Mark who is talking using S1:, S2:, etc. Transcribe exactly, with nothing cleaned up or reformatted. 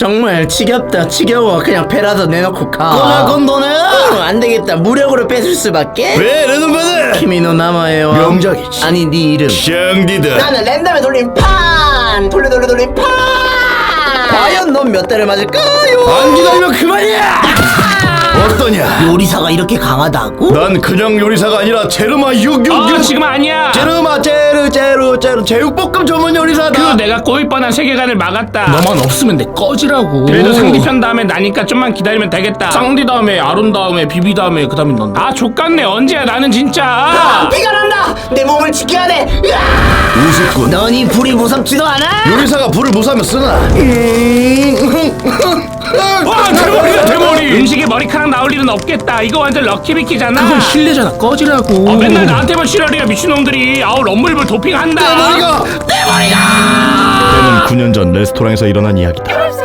S1: 정말 지겹다 지겨워. 그냥 배라도 내놓고 가.
S2: 꺼내 건도네.
S1: 어, 안되겠다. 무력으로 뺏을 수밖에.
S2: 왜 레전드네.
S1: 키미노 나마에요.
S2: 명작이지.
S1: 아니 네 이름
S2: 샹디다.
S1: 나는 랜덤에 돌린 판. 돌려 돌려 돌린 판. 과연 넌 몇 대를 맞을까요?
S2: 안 기다리면 그만이야. 어떠냐?
S1: 요리사가 이렇게 강하다고?
S2: 난 그냥 요리사가 아니라 제르마 육육육.
S3: 어 지금 아니야.
S2: 제르마 제르 제르 제르 제육볶음 전문 요리사다.
S3: 그 내가 꼬일 뻔한 세계관을 막았다.
S4: 너만 없으면 내 꺼지라고.
S3: 그래도 상디편 다음에 나니까 좀만 기다리면 되겠다.
S4: 쌍디 다음에 아론 다음에 비비 다음에 그 다음에 넌데.
S3: 아 족같네. 언제야 나는 진짜.
S1: 피가 난다. 내 몸을 지켜야 돼.
S2: 우습군.
S1: 넌 이 불이 무섭지도 않아?
S2: 요리사가 불을 무사하면 쓰나?
S3: 와 대머리다 대머리. 음식에 머리카락 나올 일은 없겠다. 이거 완전 럭키비키잖아.
S4: 그건 실례잖아. 꺼지라고.
S3: 어, 맨날 나한테만 실화리야 미친놈들이. 아우 럼블볼 도핑한다.
S2: 머리가 내 머리가. 이거는 구 년 전 레스토랑에서 일어난 이야기다.